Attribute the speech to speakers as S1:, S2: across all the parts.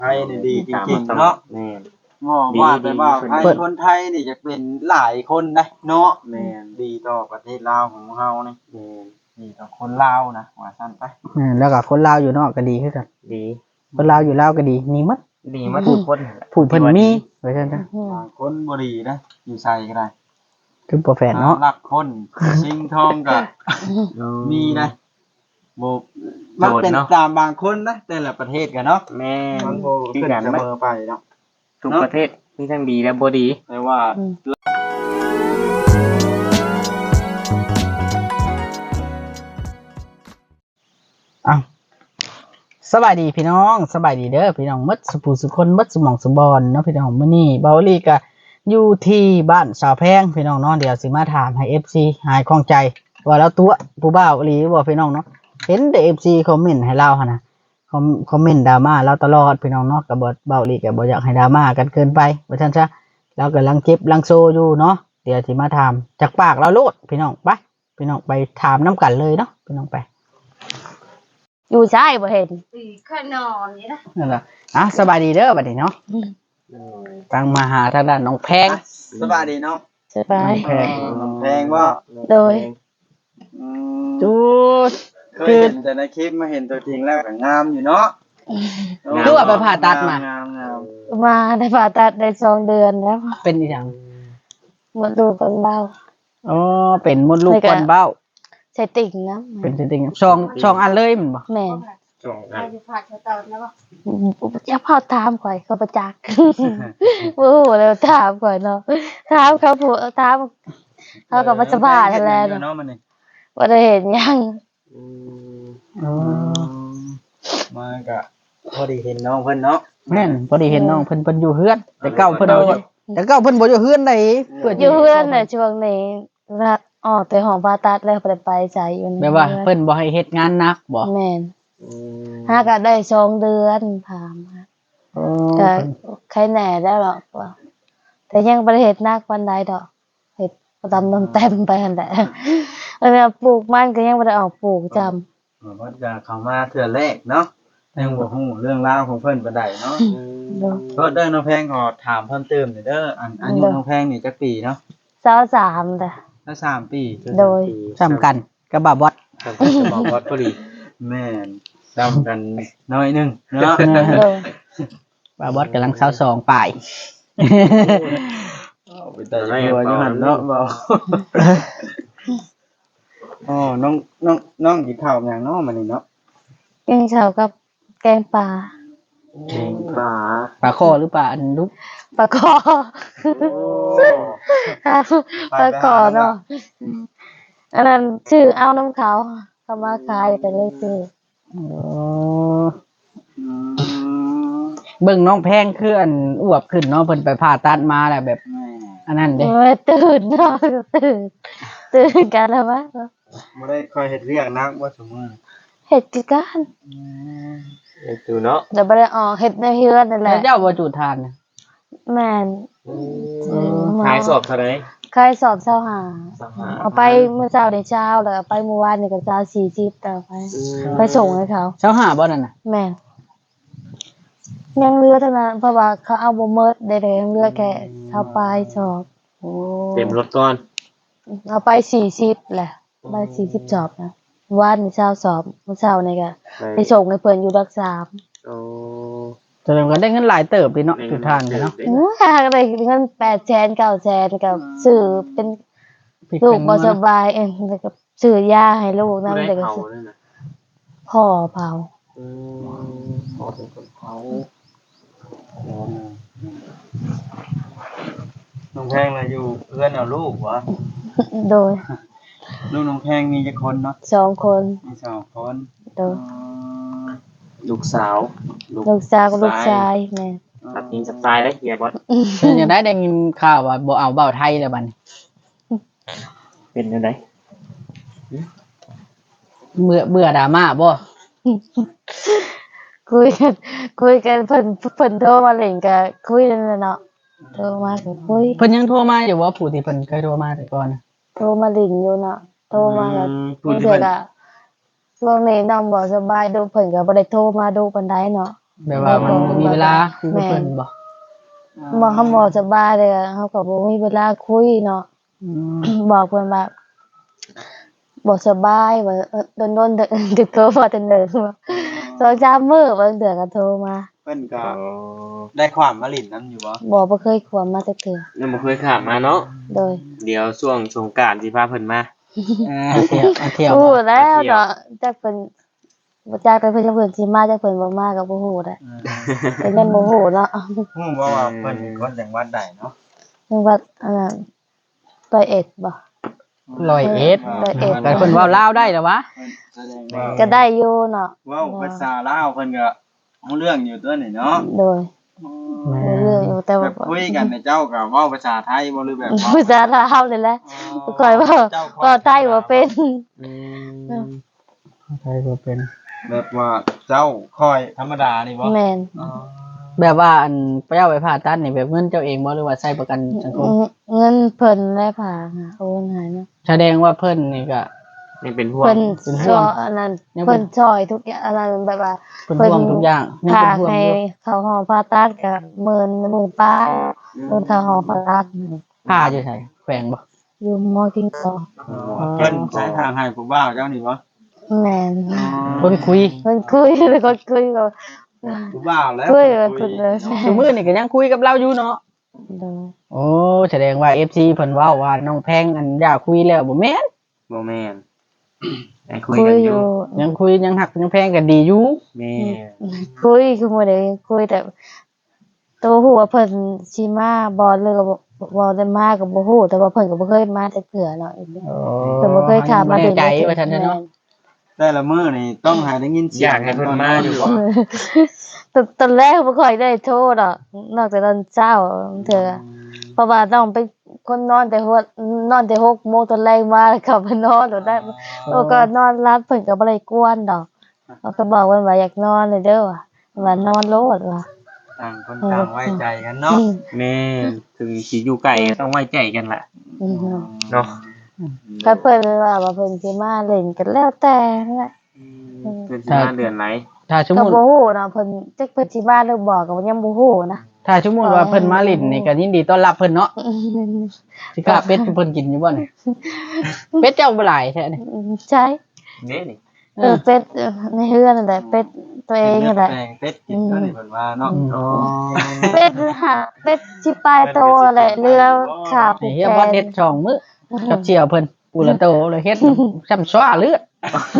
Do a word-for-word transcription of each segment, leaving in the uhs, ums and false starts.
S1: ไทยนี่ดีจริงๆเนาะแม่นว่าแต่ว่าไทยคนไทยนี่จะเป็นหลายคนนะเนาะแม่นดีต่อประเทศลาวของเฮานี่แม่นดีต่อคนลาวนะว่าซั่นไป
S2: อืมแล้วก็คนลาวอยู่นอกก็ดีคือกัน
S1: ดี
S2: คนลาวอยู่ลาวก็ดีมีหมด
S1: ดีมาทุกคน
S2: ผู้เพิ่นมีว่าซั่นซะ
S1: บางคนบ่ดีนะอยู่ไสก็ได้
S2: คือบ่แฟนเนาะ
S1: รักคนชิงทองก็มีนะบ่มันเป็นตามบางคนนะแต่ละประเทศกันเนาะแม่มันบ่ขึ้นเสมอไปเนาะทุกประเทศมีทั้งดีและบ่ดีแต่ว่า
S2: อ้าวสบายดีพี่น้องสบายดีเด้อพี่น้องหมดสุผู้สุคนหมดสมองสมบอนเนาะพี่น้องมื้อนี้เบาลี่ก็อยู่ที่บ้านสาวแพงพี่น้องเนาะเดี๋ยวสิมาถามให้ เอฟ ซี หายคล่องใจว่าแล้วตัวผู้บ่าวอีหลีบ่พี่น้องเนาะเห็นแต่ เอฟ ซี คอมเมนต์ให้เราหั่นน่ะคอมคอมเมนต์ดราม่าเราตลอดพี่น้องเนาะก็บ่เบาลี่ก็บ่อยากให้ดราม่ากันเกินไปว่าซั่นซะเรากำลังเจ็บลังโซอยู่เนาะเดี๋ยวสิมาถามจากปากเราโลดพี่น้องไปพี่น้องไปถามน้ำกันเลยเนาะพี่น้องไป
S3: อยู่ใช่บ่เห็น
S4: ข้านอนนี่นะ
S2: นั่นแหละอ่ะสบายดีเด้อบัดนี้เนาะตั้งมาหาทางด้านน้องแพง
S1: สบายดีเนาะ
S3: สบาย
S1: แพงแพงว่า
S3: โดย
S2: จูด
S1: เคยเห็นแต่ในคลิปมาเห็นตัวจริงแล้วก็งามอยู่เนาะ
S2: ดูว่าไปผ่าตัดมา
S3: มาได้ผ่าตัดได้สองเดือนแล้ว
S2: เป็นอีหยัง
S3: มดลูกคนเบา
S2: อ๋อเป็นมดลูกคนเบ้า
S3: ใส่ติ่งนะ
S2: เป็นติ่งช่องช่องอันเลยมันบ่
S3: แม่น
S4: ช่องอันผ่าเตาแล้วบ่
S3: อย่าพอถามข่อยเขาประจักษ์โอ้โหแล้วถามข่อยเนาะถามเขาผู้ถามเขาก็บ่สบายนั่นแหละเนาะบ่ได้เห็นยัง
S2: อ๋อ
S1: มาก็พอดีเห็นน้องเพิ่นเนาะ
S2: แม่นพอดีเห็นน้องเพิ่นเพิ่นอยู่เฮือนแต่เก่าเพิ่นแต่เก่าเพิ่นบ่อยู่เฮือนใด
S3: เพิ่นอยู่เฮือนน่ะช่วงนี้รักอ๋อแต่ห้องผ่าตัดแล้วบ่ได้ไปใจอยู่
S2: แม่ว่าเพิ่นบ่ให้เฮ็ดงานหนักบ่
S3: แม่นหาก็ได้สองเดือนผ่ามาก็ใครแหน่ได้หรอกว่าแต่ยังบ่ได้เฮ็ดหนักปานใดดอกเฮ็ดตามเต็มไปหั่นแหละเออปลูกมันก็ยังบ่ได้ออกปลูกจำ
S1: เพิ่นก็เข้ามาเทื่อแรกเนาะยังบ่ฮู้เรื่องราวของเพิ่นปานใดเนาะก็เด้อน้องแพงขอถามเพิ่มเติมหน่อยเด้ออันอายุน้องแพงนี่จักปีเนาะ
S3: ยี่สิบสามจ้ะ
S1: ถ้าสามปี
S3: โดย
S2: ซ้ำกันกับบ่าวบอส
S1: ซ้ำกันกับบ่าวบอสพอดีแม่นซ้ำกันน้อยนึงเนาะ
S2: บ่าวบอสกำลังสาวสองปลาย
S1: ไปแต่อยู่อยู่หั่นเนาะบ่อ๋อน้องน้องน้องกินข้าวหยังเนาะมื้อนี้เนาะ
S3: กินข้าวกับแกงปลา
S1: แกงปลา
S2: ปลาคอหรือปลาอันดุ
S3: ปลาคอปลาคอเนาะอันนั้นชื่อเอาน้ำเขาเขามาขายแต่เลยซื้อ
S2: เบิ่งน้องแพงคืออันอวบขึ้นเนาะเพิ่นไปผ่าตัดมาแหละแบบอันนั้นเด้
S3: ตื่นเนาะตื่นตื่นกันแล้ววะ
S1: บ่ได้ค่อยเฮ็ดเวียกนักบ่ซุมื้อ
S3: เฮ็ดกิจการ
S1: เฮ็ดอยู่เนาะ
S3: เดี๋ยวบ่ได้ออกเฮ็ดในเฮือนนั่นแหละ
S2: เจ้าบ่จุดทาน
S3: แม่น
S1: ขายสอบเท่าใด
S3: ขายสอบเช้าหาเอาไปเมื่อเช้าได้เช้าแล้วไปเมื่อวานนี่ก็เช้าสี่สิบต่อไปไปส่งให้เขา
S2: เช้าหาบ่นั่นน่ะ
S3: แม่นยังเหลือเท่านั้นเพราะว่าเขาเอาบ่หมดได้ๆยังเหลือแค่เช้าปลายสอบ
S1: โอ้เต็มรถก่อน
S3: เอาไปสี่สิบแหละไปสี่สิบสอบนะวันนี้เช้าสอบเมื่อเช้านี่ก็ไปส่งให้เพิ่นอยู่รักษา
S1: โอ้
S2: แสดงว่าได้เงินหลายเติบเลยเนาะจุดทานเนาะ
S3: โอ้ยได้เงินแปดแสนเก้าแสนกับซื้อเป็นลูกบ่สบายเองแล้วก็ซื้อยาให้ลูกนำแต่ก็พ่อเผา
S1: อืมพ่อเป็นคนเผาน้องแพงน่ะอยู่เอื้อนเอาลูกวะ
S3: โดย
S1: ลูกน้องแพงมีกี่คนเนาะ
S3: สองคน
S1: มีสองคน
S3: โดย
S1: ลูกสาว
S3: ลูกสาวกับลูกชายแม่
S1: ตัดทิ้งสไตล์ได้เฮียบอส
S2: ยังได้ได้ยินข่าวว่าบ่เอาเบ้าไทยแล้วบัดนี้
S1: เป็นจังได๋
S2: เบื่อเบื่อดราม่าบ่
S3: คุยกันคุยกันเพิ่นเพิ่นโทรมาเล่นก็คุยนั่นแหละเนาะโทรมาก็คุย
S2: เพิ่นยังโทรมาอยู่ว่าผู้ที่เพิ่นเคยโทรมาแต่ก่อน
S3: โทรมาเล่นอยู่เนาะโทรมาแล้วเพิ่นก็ช่วงนี้น้องบ่สบายดูเพิ่นก็บ่ได้โทรมาดูปานใดเนาะ
S2: แบบว่ามันบ่มีเวลาคุยกับเพิ่นบ่
S3: บ่เฮาบ่สบายเลยอะเฮาก็บ่มีเวลาคุยเนาะ
S2: อืม
S3: บอกเพิ่นว่าบ่สบายว่าเออโดนๆเด้อติดโทรมาแต่เนิ่นว่าสองสามมื้อบางเทื่อก็โทรมา
S1: เพิ่นก็ได้ความมาลิ้นนํอยู่บ่
S3: บ่บ่เคยควมมาจักเทื่อ
S5: ยังบ่เคยข้ามมาเนาะ
S3: โดย
S5: เดี๋ยวช่วงสงกรานต์สิพาเพิ่นมา
S2: เอาเที่ยวเอาเที่ยว
S3: ฮู้แล้วเนาะจักเพิ่นบ่จักแต่เพิ่นจะเพิ่นสิมาจักเพิ่นบ่มาก็บ่ฮู้แหละแต่ยังบ่ฮู้เนาะ
S1: ฮู้บ่ว่าเพิ่นเป็นคนจังหวัดใดเนาะ
S3: นึกว่าอันนั้นร้อยเอ็ดบ่
S2: ร้อยเอ็ด
S3: ร้อยเอ็ด
S2: แต่เพิ่นเว้าลาวได้เหรอวะ
S1: แสดงว่า
S3: ก็ได้อยู่เนาะ
S1: เว้าภาษาลาวเพิ่นก็รู้เรื่องอยู่ตัวนี่เนาะ
S3: โดยรู้เรื่องอยู่แต่
S1: แบ
S3: ว่า
S1: บคุยกันในเจ้าก็เว้าภาษาไทยบ่หรือแบบเว้า
S3: ภาษาลาวเลยแหละค่อยเว่าเว้าไทยบ่เป็น
S2: ใช่บ่เป็น
S1: แบบว่าเจ้าคอยธรรมดานี่บ่
S3: แม่น
S1: อ๋อ
S2: แบบว่าอันไปเอาไปผ่าตัดนี่แบบเงินเจ้าเองบ่หรือว่าใช้ประกันสังคม
S3: เงินเพิ่นและผ่าค่ะโอนให้เนาะ
S2: แสดงว่าเพิ่นนี่ก็
S5: นี่เป็นห่วง
S3: เพิ่น
S2: เป็นห่
S3: ช่
S2: ว
S3: ว
S2: ง
S3: ยอันนั้น
S2: ยังเป็น
S3: เพิ่นช่วยทุกอย่างอันนั้นแบบว่า
S2: เพิ่นห่วงทุกอย่างยัง
S3: ผ่า
S2: เป็นห่วง
S3: ให้
S2: อยู่
S3: เข้าห้องผ่าตัดก็หมื่นหมื่นป้ายโดนเข้าห้องผ่าตัด
S2: ผ่าอยู่ไสแขวงบ่
S3: อยู่มอกินต่อ
S1: เพิ่นใช้ทางให้ผู้บ่าวเจ้านี่บ่
S3: แม่น
S2: คนคุย
S3: เพิ่นคุยแล้วก็คุยก็
S1: ผู้บ่าวแล้ว
S3: คุยกับเพิ่นเลย
S2: ซุมื้อนี่ก็ยังคุยกับเราอยู่เนาะ
S3: โดย
S2: โอ้แสดงว่า เอฟ ซี เพิ่นเว้าว่าน้องแพงอันอยากคุยแล้วบ่แม่น
S5: บ่แม่นได้คุย
S3: คุ
S5: กั
S3: ย
S5: น
S3: อ
S5: อยู่
S3: ยู่
S2: ยังคุยยังหักยังแพงกันดีอยู่
S5: แม่
S3: คุยคือบ่ได้คุยแต่ตัวฮู้ว่าเพิ่นสิมาบ่หรือก็บ่บ่ได้มาก็บ่ฮู้แต่ว่าเพิ่นก็บ่เคยมาจักเทื่อเนาะ
S2: โอ้
S3: เพิ่นบ่เคยถามมา
S2: แน่
S3: ถึง
S2: ใจว่าซั่นเนาะ
S1: แต่ละมื้อนี่ต้องให้ได้ยินเสี
S5: อย ยาง กให้เพิ่นมาอยู่บ่
S3: ตอนตอนแรกบ่ค่อยได้โทรดอกนอกจากตอนเช้าเทื่อเพราะว่าต้องเป็นคนนอนแต่หัวนอนแต่หกโมงตอนแรกมาแล้วกลับมานอนโดดได้โอ้ก็นอนรับเพิ่นก็บ่ได้กวนดอกเขาก็บอกเพิ่นว่าอยากนอนเลยเด้อว่ะว่านอนโลดว่ะ
S1: ต่างคนต่างไว้ใจกันเนาะ
S5: แม่ถึงสิอยู่ไกลก็ต้องไว้ใจกันล่ะ
S3: อืม
S5: เนาะ
S3: ก็เพิ่นว่าว่าเพิ่นสิมาเล่นกันแล้วแต่นั่นแหละ
S5: เพิ่นสิมาเดือนไหน
S2: ถ้าสม
S3: ก็
S2: มุติ
S3: บ่ฮู้เนาะเพิ่นจักเพิ่นสิมาหรือบ่ก็ยังบ่ฮู้นะ
S2: ถ้าสมมุติว่าเพิ่นมาลิ้นนี่ก็ยินดีต้อนรับเพิ่นเนาะสิกล้าเป็ดให้เพิ่นกินอยู่บ่นี่เป็ดเจ้าบ่หลายแท้นี่
S3: ใช่
S5: นี่นี่
S3: เออเป็ดเออในเฮือนนั่นแหละเป็ดตัวเองนั่นแหละ
S1: แปลงเป็ดกินก็นี่เพิ่นว่าเนาะ
S5: อ๋อ
S3: เป็ดหาเป็ดสิปลายโตแหละเรือขาผู
S2: นี่
S3: ก
S2: เฮีย
S3: แข
S2: บ่
S3: น
S2: เฮ็ดช่องมื้อกับเจียวเพิ่นปูละโตเลยเฮ็ดซ้ำซ้อเลือด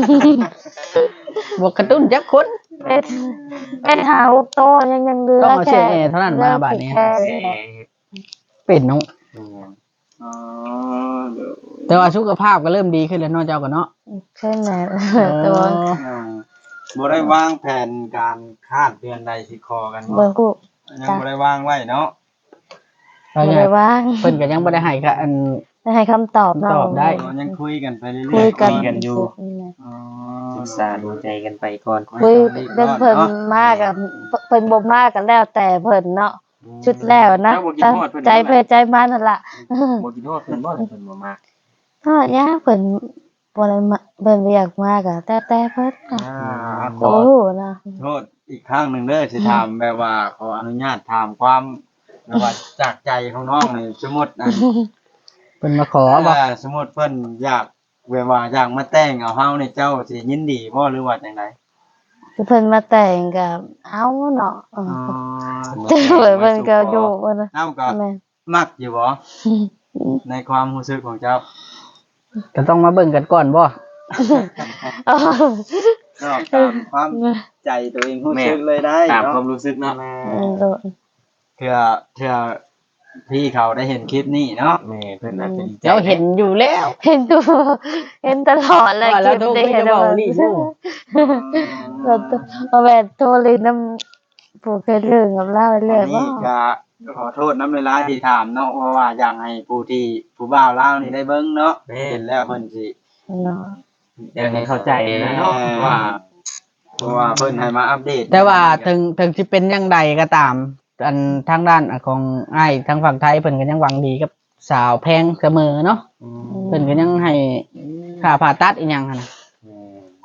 S2: บ่กระตุ้นจักคน
S3: เป็ดเป็ดหาหกโตยังยังเรือ
S2: ต้องเอาเชื
S3: แค่
S2: อกแอร์เท่านั้นมาบาดนี้
S3: เรือผูกแขน
S5: เอ่อ
S2: เป็นเนาะ
S1: อ๋อเดี๋ยว
S2: แต่ว่าสุขภาพก็เริ่มดีขึ้นแล้วเนาะเจ้าก็เนาะ
S3: ใช่ไหมแต่ว่า
S1: อ่าบ่ได้วางแผนการคาดเดือนใดสิคอกันบ่
S3: เบิ่งกู
S1: ยังบ่ได้วางไว้เนาะ
S2: เพราะ
S3: บ่
S2: งั้
S3: ได้
S2: น
S3: ว่าง
S2: เพิ่นก็ยังบ่ได้ให้ก็อัน
S3: ได้ให้คำตอบเนาะ
S2: ตอบได้
S1: ยังคุยกันไปเรื่อยๆ
S3: คุยกัน
S5: กันอยู่
S1: อ๋อ
S5: ศึกษาดูใจกันไปก่อน
S3: คุยเรื่องเพิ่นมากกับเพิ่นบ่มากกันแล้วแต่เพิ่นเนาะชุดแล้วนะ
S5: เจ้าบ่คิดฮอดเพิ่น
S3: ใจเพิ่นใจมันนั่นล่ะ
S5: บ่คิดว่าเพิ่นบ่ได้เพิ่นบ่มา
S3: ก็ยากเพิ่นบ่ได้มาเพิ่นบ่อยากมากอะแต่แต่เพิ่นน่ะ
S1: อ่าข
S3: โอ้
S1: อ
S3: โหนะ
S1: โทษอีกครั้งหนึ่งเด้อสิถามแบบว่าขออนุญาตถามความแบบว่าจากใจของน้องนี่สมมุตินะ
S2: เพิ่นมาขอบ่
S1: อ่าสมมุติเพิ่นอยากแบบว่าอยากมาแต่งเอาเฮานี่เจ้าสิยินดีบ่หรือว่าจังได
S3: คือเพิ่นมาแต่งก็เอาเนาะเออ
S1: อ๋อ
S3: แต่เพิ่นก็อยู่เพิ่นน่ะ
S1: เอ้าก็
S3: แม่น
S1: มักอยู่บ่ในความรู้สึกของเจ้า
S2: ก็ต้องมาเบิ่งกันก่อนบ่
S3: อ๋อ
S1: ก็ตามความใจตัวเองรู้สึกเลยได้
S5: ตาม
S1: เนาะ
S5: ความรู้สึกเนาะ
S3: เออโดน
S1: เถื่อเถื่อพี่เขาได้เห็นคลิปนี้เนาะ
S5: แม่เพิ่นอาจจะดีใจ
S2: เจ้าเห็นอยู่แล้ว
S3: เห็นดูเห็นตลอดเลย
S2: ว่าแล้วโทร
S3: ได้
S2: คุย
S3: เห็
S2: กัน บเว้าลี่อยู่
S3: เราเอาแม่โทรเลยน้ำผู้เคยเรื่องกับเล่าเรื่
S1: อั
S3: อย
S1: น
S3: ว่า
S1: นี้ก็ขอโทษน้ำเวลาที่ถามเนาะเพราะว่าอยากให้ผู้ที่ผู้บ่าวเล่าวนี่ได้เบิ่งเนาะเห็นแล้วเพิ่นสิ
S3: เนาะ
S5: อยากให้เข้าใจนะเนาะ
S1: ว่า
S5: ว่า
S1: เพราะว่าเพิ่นให้มาอัปเดต
S2: แต่ว่าถึงถึงสิเป็นจังใดก็ตาม อันทางด้านของอ้ายทางฝั่งไทยเพิ่นก็ยังหวังดีกับสาวแพงเสมอเนาะ
S1: อืม
S2: เพิ่นก็ยังให้ค่าผ่าตัดอีหยังหั่นน่ะ
S1: ค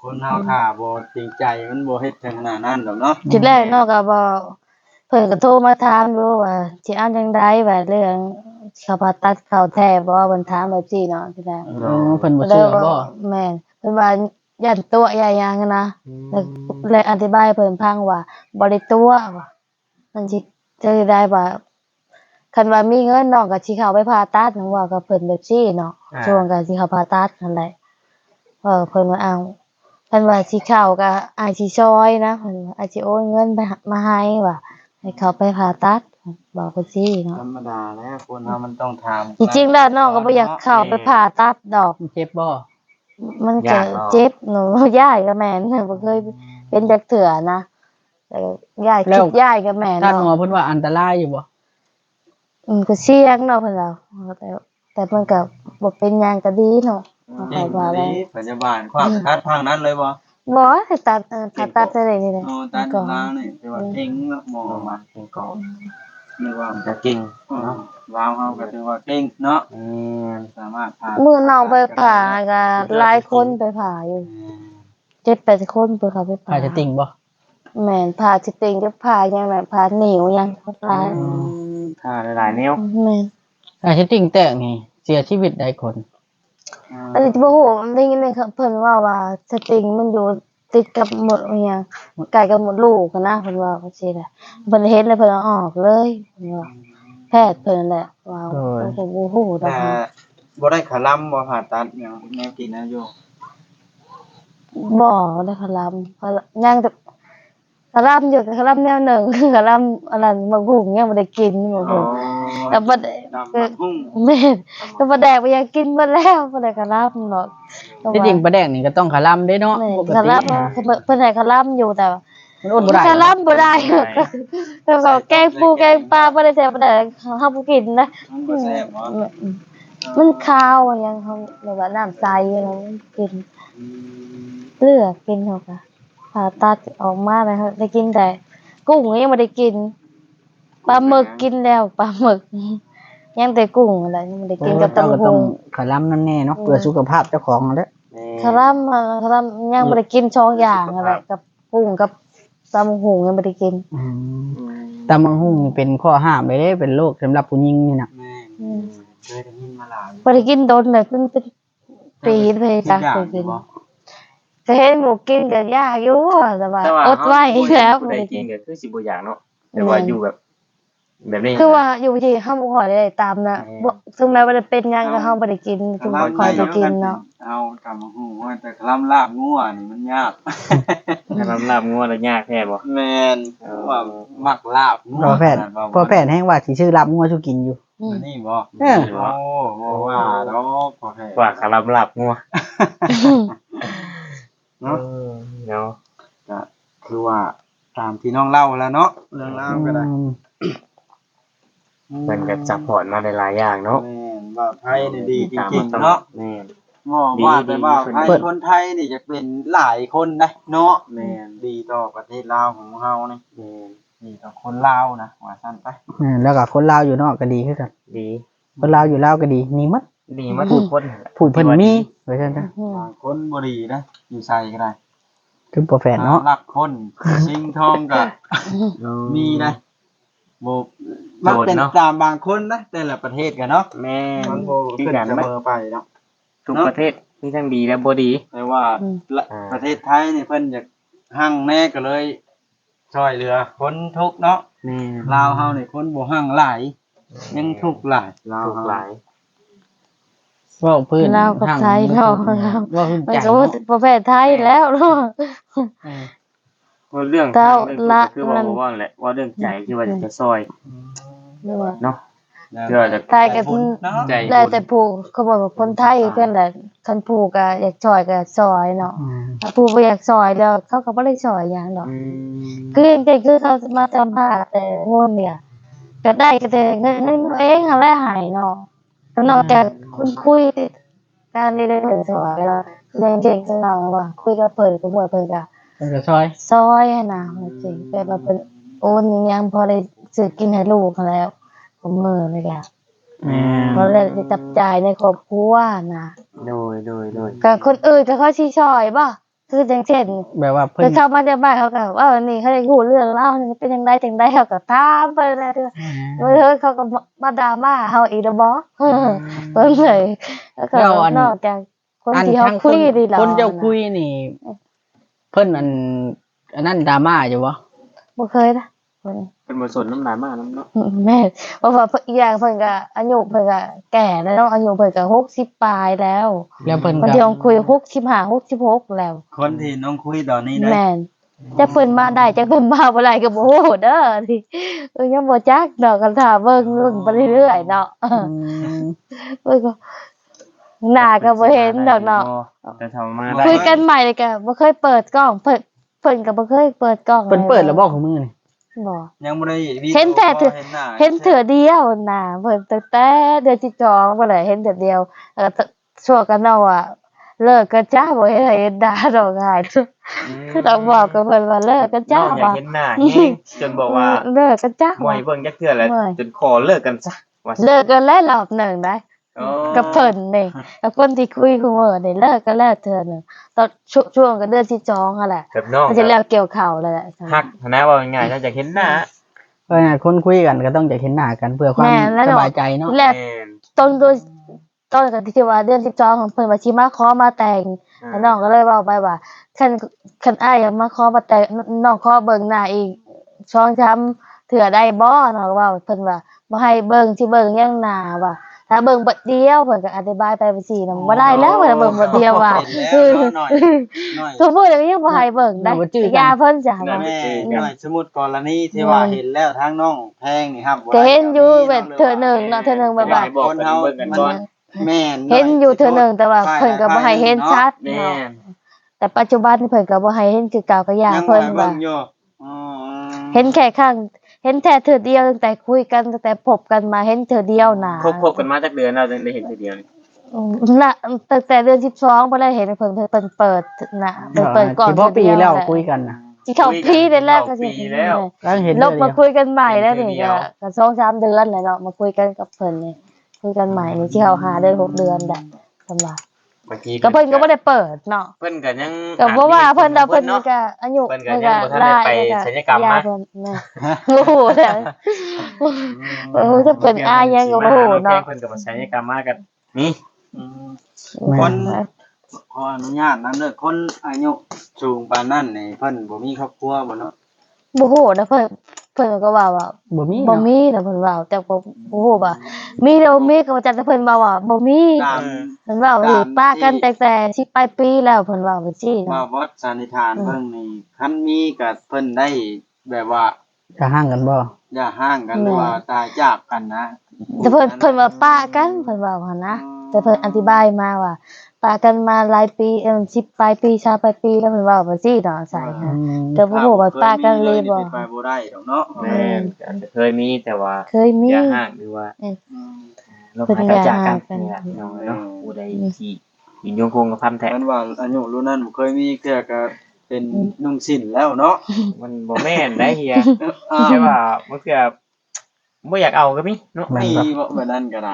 S1: คนเฮาถ้าบ่จริงใจมันบ่เฮ็ดถึงขนาดนั้นดอกเนาะ
S3: ทีแรกเนาะก็บ่เพิ่นก็โทรมาถามดูว่าสิเอาจังไดว่าเรื่องเขาผ่าตัดเข้าแท้บ่เพิ่นถามแบบนี้เนาะทีแรก
S2: เออเพิ่นบ่เชื่อบ่
S3: แม่นเพิ่นว่ายันตัวใหญ่ยังนะแล้วเลยอธิบายให้เพิ่นฟังว่าบ่ได้ตัวว่ามันสิจะได้ว่าคันว่ามีเงินน้องก็สิเข้าไปผ่าตัดน้องว่ากับเพิ่นแบบนี้เนาะช่วงก็สิเข้าผ่าตัดนั่นแหละเออเพิ่นว่าเอาเพิ่นว่าสิเข้าก็อายสิช่วยนะเพิ่นว่าอายสิโอนเงินไปมาให้ว่าให้เขาไปผ่าตัดบอกเพิ่นซี่เนาะ
S1: ธรรมดาแล้วคนเฮามันต้องถาม
S3: จริงๆแล้วน้องก็บ่อยากเข้าไปผ่าตัดดอก
S2: เจ็บบ่
S3: มันก็เจ็บหนูย่ายกับแม่นบ่เคยเป็นจักเถื่อนะแต่ย่ายคิดย่ายกับแม่
S2: ท่านหมอ
S3: เนาะ
S2: เพิ่นว่าอันตรายอยู่บ่
S3: อืมก็เสี่ยงเนาะเพิ่นว่าแต่แต่เพิ่นก็บ่เป็นหยังก็ดีเนาะ
S1: เก่งดีพยาบาลความคัดทางนั้นเลยบ่
S3: บ่ให้ตัดเออผ่าตัดได้นี่แหละ
S1: อ๋อตาดูลาวนี่แต่ว่าเก่งเนาะหมอมาเก่งก่อนนึกว่า
S5: จะเก่ง
S1: เนาะลาวเฮาก็ถือว่าเก่งเนาะ
S5: อืม
S1: สามารถผ่า
S3: มื้อน้องไปผ่าก็หลายคนไปผ่าอยู่ เจ็ดแปดคนเพิ่นเข้าไปผ่า
S2: อาจจะติ่งบ่
S3: แม่นผ่าสิติงกับผ่าหยังแบบผ่านิ้วหยังหลาย
S5: ถ้าหลายๆแนว
S3: แม่น
S2: อาจจะติ่งแตกนี่เสียชีวิตได้คน
S3: อันนี้บ่ฮู้ได้ยินเลยเพิ่นว่าว่าสติงมันอยู่ติดกับหมดอิหยังใกล้กับหมดลูกอะนะเพิ่นว่าจังซี่แหละเพิ่นเห็นแล้วเพิ่นเอาออกเลยเพิ่นว่าแพทย์เพิ่นนั่นแหละว่าเพิ่นก็บ่ฮู้ดอ
S1: แต่
S3: กนะ
S1: บ่ได้ขาลำบ่ผ่าตัดหยังแนวกินนะโย
S3: บ่ได้คลำคลยังแต่คลำอยู่คลำแนวหนึ่งคลำอันนั้นบักหุ่งยังบ่ได้กินบ่ฮู้แต่บ่ได้
S1: ดำบักหุ่ง
S3: แม่นแต่บ่แดกบ่อยากกินเบิดแล้วบ่ได้คลำหรอก
S2: ที่จริงปลาแดกนี่ก็ต้องขาล่ำเด้เนาะ
S3: แม่น
S2: ปก
S3: ค
S2: ติ
S3: ลำเพิ่นให้คลำอยู่แต่ว่า
S2: มันอดบ่ได้
S3: คลำบ่ได้แต่ว่าแกงปูแกงปลาบ่ได้แซ่บบ่ได้เฮาบ่กินนะ
S1: มันบ่แซ่บบ่
S3: มันคาวอะยังเขาแบบว่าน้ำใสอะไรกินเลือกกินเขาค่ะผ่าตัดออกมาเลยครับได้กินแต่กุ้งยังไม่ได้กินปลาหมึกกินแล้วปลาหมึกยังแต่กุ้งอะไรยังไม่ได้กินกับ
S2: เจ้า
S3: ตำ
S2: ก็
S3: หู
S2: ต้องขาล่ำนั่นแน่เนาะเพื่อสุขภาพเจ้าของนั่นแหละ
S3: คาร่ำมาคาร่ำยังไม่ได้กินช่องอย่างอะไรกับกุ้งกับตำหูยังไม่ได้กิน
S2: อืมตามังหุ่งนี่เป็นข้อห้ามเลยเด้เป็นโรคสำหรับผู้หญิงนี่น่ะ
S1: แม่เคยได้ยินมาหลาย
S3: ไม่ได้กินโดนเลยเป็นเป็นปีเลยจ้ะเคยกินเคยเห็นหมูกินกับยากอยู่แต่ว่า
S5: แต่ว่า
S3: อดไว้แล้ว
S5: ผู้
S3: ไม่
S5: ใด
S3: ได้
S5: กิ
S3: กิ
S5: น
S3: น
S5: ก็คือสิบ่อยากเนาะแต่ว่าอยู่แบบ แบบนี้
S3: คือว่าอยู่ที่ห้ามขอยได้ตามนะบ่ถึงแม้ว่าจะเป็นหยังก็ห้ามบ่ได้กินถึงบ่คอยไปกินเนาะ
S1: เอากำบักหุ่งว่าแต่ลำลาบงัวนี่มันยาก
S5: ถ้าลำลาบงัวแล้วยากแท้บ่
S1: แม่นว่ามักลาบงัว
S2: พอแพทย์พอแพทย์แห้งว่าสิชื่อรับงัวชูกินอยู่
S3: อืม
S1: นี่บ่
S2: เออ
S1: โอ้บ่ว่าดอกพอแพทย์
S5: ว่าคาลำลาบงัว
S1: เนาะ
S5: เนาะ
S1: ก็คือว่าตามที่น้องเล่าแล้วเนาะเรื่องเล่าวก็ได้
S5: มันก็ซัพพอร์ตมาหลายๆอย่างเนาะ
S1: แม่นว่าไทยนี่ดีจริงๆเนาะ
S5: แม่น
S1: บ่ว่าแต่ว่าไทยคนไทยนี่จะเป็นหลายคนนะเนาะแม่นดีต่อประเทศลาวของเฮานี่
S5: แม่น
S1: ดีต่อคนลาวนะว่าซั่นไป
S2: อืมแล้วก็คนลาวอยู่นอกก็ดีคือกัน
S5: ดี
S2: คนลาวอยู่ลาวก็ดีมีหมด
S5: ดีมาทุกคนนั่นแหละ
S2: ผู้เพิ่นมีว่าซั่นจ้ะ
S3: อืม
S1: บางคนบ่ดีนะอยู่ใส่ก็ได้
S2: คือบ่แฟนเนาะ
S1: รักคนชิงทองก็มีนะบ่มันเป็นตามบางคนนะแต่ละประเทศกันเนาะ
S5: แม่น
S1: มันบ่ขึ้นเสมอไปเนาะ
S5: ทุกประเทศมีทั้งดีและบ่ดี
S1: แต่ว่าละ
S5: อ่า
S1: ประเทศไทยนี่เพิ่นอยากหั่งแน่ก็เลยช่วยเหลือคนทุกข์เนาะ
S5: แม่น
S1: ลาวเฮานี่คนบ่หั่งหลายยังทุกข์หลายลาว
S5: ทุก
S1: เฮา
S5: หลาย
S2: เว้าพื้น
S3: ลาวกับไทยเนาะ
S2: เว้าพื้น
S3: มัน
S2: ใจ
S3: ก็ว่าประเภทไทยแล้วเนาะ
S5: ว่าเรื่อง
S3: เจ้า
S5: เรื่อง
S3: ละ
S5: คือว่า
S3: มัน
S5: บ่ว่าแหละว่าเรื่องใจที่ว่าจะซอย
S3: หรือว่า
S5: เนาะ เพื่อจะ
S3: ไทยก็
S1: เนาะ
S5: ใจ
S3: แล้วแต่ผู้เขาบอกว่าคนไทยเพิ่นแหละคันผู้ก็อยากช่วยก็ช่วยเนาะ
S2: อืม
S3: ถ้าผู้บ่อยากช่วยแล้วเขาก็บ่ได้ช่วยหยังดอก
S5: อืม
S3: คือจริงๆคือเขามาสัมภาษณ์แต่งนเนี่ยก็ได้ก็แต่เงินเงินเองอะไรหายเนาะก็นอกจากคุณคุยการเรียนเรื่องสอนแล้วเรียนเก่งจังเราว่าคุยกับเพิ่นก็บ่เพิ่นก็
S2: เพิ่นก็ซอย
S3: ซอยให้นะจริงแต่ว่าเป็นโอนอิหยังพอได้ซื้อกินให้ลูกแล้วผมมือเลยล่ะ
S2: แม่
S3: พอได้จับจ่ายในครอบครัวนะ
S5: โดยโดยโดย
S3: ก็คนอื่นก็เขาสิช่วยบ่คือจังเช่น
S2: แบบว่า
S3: เพิ่
S2: เพิ่
S3: น
S2: น
S3: เข้ามาในบ้านเขาก็ว่าวันนี้เขาได้รู้เรื่องเล่าวนี่เป็นจังไดจังไดเขาก็ถามไปเลยเด้อเออเขาก็มาดราม่าเฮาอีกแล้วบ่เพิ่นเลยแล้วก็นอกจากคนที่เฮาคุยดีแล้ว
S2: คนเจ้าคุยนี่ เพิ่นอันอันนั้นดราม่าอยู่บ่
S3: บ่เคยนะเพิ่น
S5: เป็นบ่สนน้ำหนามาน้ำเนาะ
S3: แม่เพราะว่าเพิ่นอีกอย่างเพิ่นก็อายุเพิ่นก็แก่แล้วเนาะอายุเพิ่นก็หกสิบปลายแล้ว
S2: แล้วเพิ่น
S3: บาง
S2: ก็
S3: ทีลองคุยหกสิบห้า หกสิบหกแล้ว
S1: คนที่น้องคุยตอนนี้ได้
S3: แม่นจะเพิ่นมาได้จะเพิ่นมาบ่ได้ก็บ่ฮู้เด้อที่เออยังบ่จักดอกกันถ้าเบิ่งเบิ่งไปเรื่อยๆเนาะ
S2: อืม
S3: เพิ่นก็หน้าก็บ่เห็นดอกเนาะ
S5: แต่ทำมาได้
S3: คุยกันใหม่เลยก็บ่เคยเปิดกล้องเพิ่นเพิ่นก็บ่เคยเปิดกล้อง
S2: เพิ่นเปิดแล้วบอกของมือนี่
S3: บ่
S1: ยังบ่ได้วิดีโอ
S3: เห็นแต่เถื่อ
S1: เห็นหน้า
S3: เห็นเถื่อเดียวน่ะเพิ่นตั้งแต่เดือนที่สองบ่ได้เห็นเถื่อเดียวแล้วก็ช่วงกันเนาะว่าเลิกกันจ้าบ่เห็นเห็นด่าดอกหายคือต้องบอกกับเพิ่นว่าเลิกกันจ้า
S5: อยาก
S3: ว่า
S5: เห็นหน้าแห้งจนบอกว่า
S3: เลิกกันจ้า
S5: บ่อยเบิ่งจักเทื่อแล้วจนขอเลิกกันซะว่า
S3: เลิกกันแล้วรอบหนึ่งได้
S5: อ๋อ
S3: กับเพิ่นนี่กับคนที่คุยคุมื้อนี่เลิกกันแล้วเทื่อหนึงตอนช่วงช่วงกันเดือนที่สองนั่นแหละ
S5: แบบน้อง
S3: มันจะแล้วเกี่ยวข้าวแล้วแหละ
S5: ฮักนะว่าง่ายๆน่าจะเห็นหน้า
S2: เพราะงั้นคนคุยกันก็ต้องจะเห็นหน้ากันเพื่อความ
S3: แม่แล้ว
S2: ส
S3: เนาะ
S2: บายใจเนาะ
S3: แล้ว
S5: แม่น
S3: ต้นโดยต้นกันที่ว่าเดือนสิบสองของเพิ่นว่าสิมาขอมาแต่ง
S5: อ่า
S3: แล้วน้องก็เลยเว้าไปว่าคันคันอ้ายอยากมาขอมาแต่งน้องขอเบิ่งหน้าอีกช่องช้ำเถื่อได้บ่น้องก็เว้าเพิ่นว่าบ่ให้เบิ่งสิเบิ่งยังหน้าว่าถ้าเบิ่งเบิดเดียวเพิ่นก็อธิบายไปไปสินำบ่ได้แล้วว่าเบิ่งเบิดเดียวว่า
S1: เห็นแล้วหน่อยหน่อย
S3: ทุกมื้อนี้ยังบ่ให้เบิ่งได้ยาเพิ่นจ้ะว่า
S1: แม่หน่อยสมมุติกรณีที่ว่าเห็นแล้วทางน้องแพงนี่ครับบ่
S3: ก็
S1: ได้
S3: เห็นอยู่แบบเทื่อหนึงเนาะเทื่อหนึงแบบว่า
S5: ให้บอกกันเบิ่งกันก่อน
S1: แม่น
S3: เห็นอยู่เทื่อหนึงแต่ว่าเพิ่นก็บ่ให้เห็นชัด
S5: แม่
S3: เนาะ
S5: น
S3: แต่ปัจจุบันนี่เพิ่นก็บ่ให้เห็นคือเก่าก็ยา
S1: ยัง
S3: เพิ่น
S1: ว่า
S3: ว่า
S1: เบิ่งอยู่อ๋อ
S3: เห็นแค่ครั้งเห็นแค่เทื่อเดียวตั้งแต่คุยกันตั้งแต่พบกันมาเห็นเทื่อเดียวน่ะ
S5: คบคบกันมาจักเดือนแล้วถึงได้เห็นทีเดียวนี่
S3: อืมน่ะตั้งแต่เดือนสิบสองบ่ได้เห็นเพิ่นเพิ่นเปิดน่ะเพิ่นเปิดกล่อง
S2: สิพอปีแล้วคุยกันนะ
S3: สิเข้าปีได้แล้วก็สิ
S5: ปีแล้ว
S2: แล้วเห็น
S3: ล
S2: เรื่
S3: บ
S2: อง
S3: มา
S2: เดียว
S3: คุยกันใหม่แล้วนี่
S5: เดือนเดี
S3: ก็
S5: ยว
S3: ก็สองสามเดือนแล้วเนาะมาคุยกันกับเพิ่นนี่คุยกันใหม่นี่สิเข้าหาเดือนหกเดือนได้สำหรับ
S5: เมื่อกี้
S3: ก็เพิ่นก็บ่ได้เปิดเนาะ
S5: เพิ่นก็ยัง
S3: ก็บ่ว่าเพิ่นดอกเพิ่น
S5: เนาะ
S3: ก็อายุ
S5: เพิ่นก็ยังบ่ทันได้ไปศัลยกรรม
S3: ยา
S5: นะ
S3: เพิ่นแม่โอ้โหแล้วโอ้โหถ้าเพิ่นอายยังก็บ่ฮู้เนาะ
S5: เพิ่นก็บ่ใช้ในกรรมมากันนี่
S1: อืมคนขออนุญาตนำเด้อคนอายุสูงปานนั้นนี่เพิ่นบ่มีครอบครัวบ่เนาะ
S3: บ่ฮู้นะเพิ่นเพิ่นก็ว่าว่า
S2: บ่มี
S3: บ่
S2: เนาะ
S3: มีนะเพิ่นว่าแต่บ่บ่ฮู้ว่ามีแล้วบ่มีก็ว่าจักแต่เพิ่นว่าว่าบ่มี
S1: ตาม
S3: เพิ่นว่าว่าสิป้ากันแต่แต่สิปลายปีแล้วเพิ่นว่าว่าซี่
S1: ว่า
S3: เนาะ
S1: วัดสันนิษฐานเบิ่งนี่คันมีก็เพิ่นได้แบบว่า
S2: จะห่างกันบ่
S1: อย่าห่างกันหรือว่าตายจากกันนะ
S3: แต่เพิ่นเพิ่นว่าป้ากันเพิ่นว่าว่านะแต่เพิ่นอธิบายมาว่าป้ากันมาหลายปีเอิ่มสิบปลายปีชาปลายปีแล้วเพิ่นว่าว่าซี่เนาะใส่
S2: อื
S3: ฮะ
S2: ม
S3: แต่บ่ฮู้ว่าป้ากันเลยบ่
S1: ไปบ่ได้ดอกเนาะ
S5: แม่นอาจจะเคยมีแต่ว่า
S3: เคยมี
S5: อย่าห่างหรือว่า
S1: อืม
S5: เราหายจากกันนี่แหละเนาะเนาะผู้ใดที่ยินยงคงกับพันแท้
S1: มันว่าอายุรุ่นนั้นบ่เคยมีเทื่อก็เป็นนุ่งสิ้นแล้วเนาะ
S5: มันบ่แม่นได้เฮีย
S1: อ้าว
S5: ใช่ว่ามันคือบ่อยากเอาก็มีเนาะ
S1: มีบ่แบบนั้นก็ได้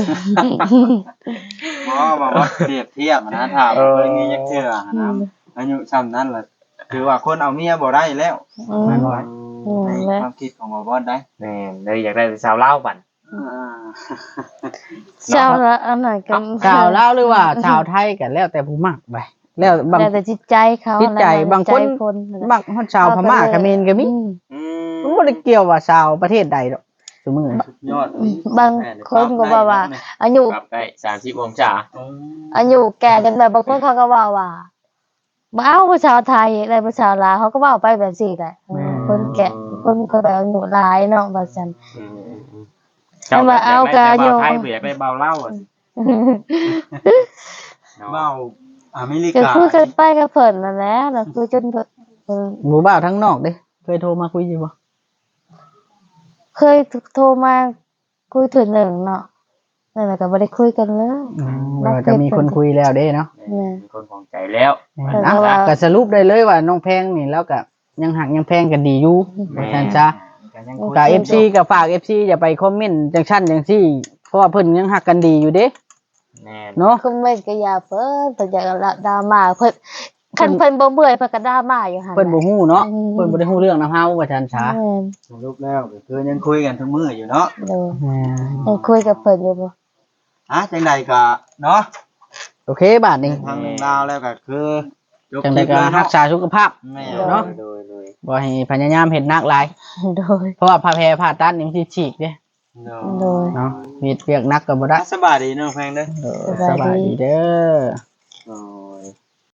S1: บ่ว่าวัดเปรียบเทียบนะถ้าบ่เคยมีจักเทื่อนะอายุซ้ำนั้นล่ะถือว่าคนเอาเมียบ่ได้แล้ว
S3: อืม
S2: มันว่า
S3: อืม
S1: ใน
S3: แล้ว
S1: ความคิดของบ่บ่ได้
S5: แม่นเลยอยากได้สาวลาวบัด
S1: อ่า
S3: เจ้าละอันไหนกัน
S2: ชาวลาวหรือว่าชาวไทยกันแล้วแต่ผู้มักไปแล้วบาง
S3: แล้วแต่จิตใจเขา
S2: จิตใจ
S3: แล้วแต่
S2: บางคน
S3: ใจคน
S2: บางคนชาวพม่าเขมรก็มี
S3: อืม
S5: อื
S2: มันบ่ได้เกี่ยวว่าชาวประเทศใดดอกสมมุติ
S1: ยอด
S3: บางคนก็ว่าว่าอายุ
S5: ปรับได้สามสิบองศา
S3: อายุแก่กันแบบบางคนเขาก็ว่าว่าบ่เอาผู้ชาวไทยอะไรผู้ชาวลาวเขาก็ว่าไปแบบสี่แหละเออคนแก่คนก็แบบอายุหลายเนาะว่าซั่น
S5: อืมอืม
S3: ให้มาเอากาโย
S5: เจ้แบบอยากได้เบาไทยบ่อยากได้เบาเล่าอะเนาะ
S1: เว้าอเมริ
S3: ก็
S1: กา
S3: คุยกันไปกับเพิ่นนั่นแหละแล้วคุยจนเพิ่นเพิ่น
S2: หมู่บ้านทั้งนอกเด้เคยโทรมาคุยอยู่บ่
S3: เคยโทรมาคุยถึงหนึ่งเนาะนั่นแหละก็บ่ได้คุยกันเลย
S2: อืมเราจะมีคนคุยแล้วเด้เนาะ
S5: เป็นคนของใจแล้ว
S2: อ่ะก็สรุปได้เลยว่าน้องแพงนี่แล้วก็ยังหักยังแพงกันดีอยู่ว่าซั่นซะ กับ เอฟ ซี ก็ฝาก เอฟ ซี อย่าไปคอมเมนต์จังซั่นจังซี่เพราะว่าเพิ่นยังหักกันดีอยู่เด้
S5: แม่น
S2: เนาะ
S3: คอมเมนต์ก็อย่าเพิ่นเพิ่นอยากละดราม่าเพิ่นคันเพิ่นบ่เบื่อเพิ่นก็ด่ามาอยู่หั่น
S2: เพิ่นบ่ฮู้เนาะ
S3: อืม
S2: เพิ่นบ่ได้ฮู้เรื่องนำเฮาว่าจันช้า
S3: แม่น
S1: สรุปแล้วก็คือยังคุยกันทุกมื้ออยู่เนาะ
S3: โดยยังคุยกับเพิ่นอยู่บ่
S1: อ่ะจังใดก็เนาะ
S2: โอเคบาดนี้
S1: ทางเรื่องราวแล้วก็คือจบ
S2: จังไดก็
S1: คลิปเลย
S2: รั
S1: เนาะ
S2: กษาสุขภาพ
S1: แม่
S2: เนาะ
S5: โดยโดย
S2: บ่ให้พยายามเฮ็ดหนักหลาย
S3: โดย
S2: เพราะว่าผ้าแพรผ่าตัดนี่มันสิฉีกเด้
S1: เนาะ
S3: โดย
S2: เนาะเฮ็ดเวียกหนักก็บ่ได้
S1: สบายดีเนาะแพงเด้อ
S2: เออสบายดีเด้อ
S1: อ๋อ